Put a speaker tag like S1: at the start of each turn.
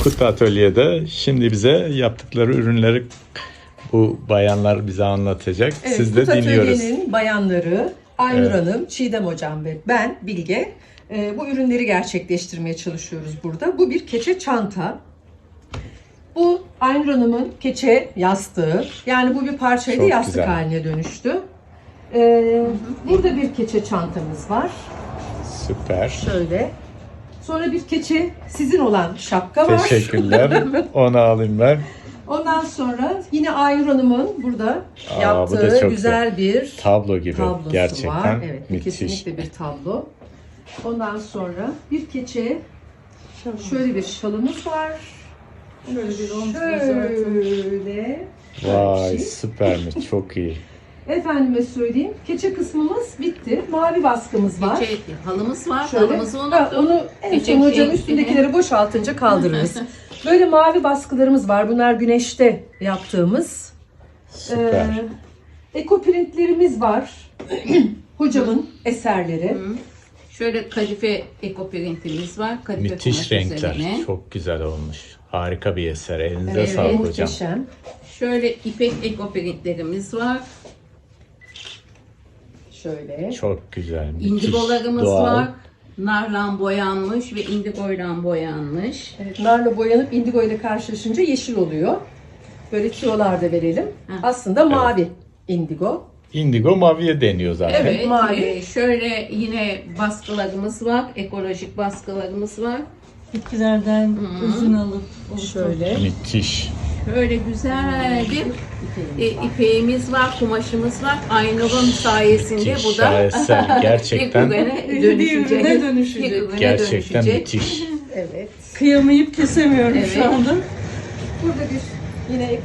S1: Kutu Atölye'de şimdi bize yaptıkları ürünleri bu bayanlar bize anlatacak.
S2: Evet,
S1: Siz de
S2: Kutu
S1: dinliyoruz.
S2: Atölye'nin bayanları Aynur
S1: Evet.
S2: Hanım, Çiğdem Hocam ve ben Bilge bu ürünleri gerçekleştirmeye çalışıyoruz burada. Bu bir keçe çanta. Bu Aynur Hanım'ın keçe yastığı. Yani bu bir parçaydı,
S1: Çok
S2: yastık
S1: güzel.
S2: haline dönüştü. Burada bir keçe çantamız var.
S1: Süper.
S2: Şöyle. Sonra bir keçe sizin olan şapka var.
S1: Teşekkürler. Onu alayım ben.
S2: Ondan sonra yine Aynur Hanım'ın burada
S1: Bu da
S2: yaptığı
S1: çok
S2: güzel bir
S1: Tablo gibi.
S2: tablosu
S1: Gerçekten
S2: var. Evet,
S1: müthiş.
S2: kesinlikle bir tablo. Ondan sonra bir keçe, şöyle bir şalımız var. Şöyle.
S1: Vay
S2: şey.
S1: süpermiş. Çok iyi.
S2: Efendime söyleyeyim, keçe kısmımız bitti. Mavi baskımız var.
S3: Keçe halımız var.
S2: Şöyle.
S3: Halımızı
S2: Ha,
S3: unuttum.
S2: onu en
S3: Keçe
S2: son hocam
S3: şey-
S2: üstündekileri boşaltınca kaldırırız. Böyle mavi baskılarımız var. Bunlar güneşte yaptığımız.
S1: Süper.
S2: Ekoprintlerimiz var. Hocamın eserleri.
S3: Şöyle kadife ekoprintimiz var. Kadife
S1: Müthiş
S3: kumaş
S1: renkler.
S3: üzerine.
S1: Çok güzel olmuş. Harika bir eser. Elinize
S2: Evet,
S1: sağlık hocam.
S2: muhteşem.
S3: Şöyle ipek ekoprintlerimiz var.
S2: Şöyle.
S1: Çok güzel. Müthiş.
S3: İndigolarımız
S1: Doğal.
S3: var. Narla boyanmış ve indigoyla boyanmış.
S2: Evet, narla boyanıp indigo ile karşılaşınca yeşil oluyor. Böyle tüyolar da verelim. Aslında mavi indigo.
S1: Indigo maviye deniyor zaten.
S2: Evet, mavi.
S3: Şöyle yine baskılarımız var. Ekolojik baskılarımız var.
S4: Bitkilerden üzüm alıp
S2: Şöyle.
S1: Müthiş.
S3: Şöyle güzel bir ipeğimiz var, kumaşımız var. Aynur'un sayesinde
S1: Müthiş.
S3: bu da
S1: Şaheser. Gerçekten
S3: bir
S4: bir ürüne dönüşecek.
S3: Bir ürüne
S1: gerçekten
S3: dönüşecek.
S1: müthiş.
S2: Evet.
S4: Kıyamayıp kesemiyorum
S3: Evet.
S4: şu anda.
S2: Burada bir yine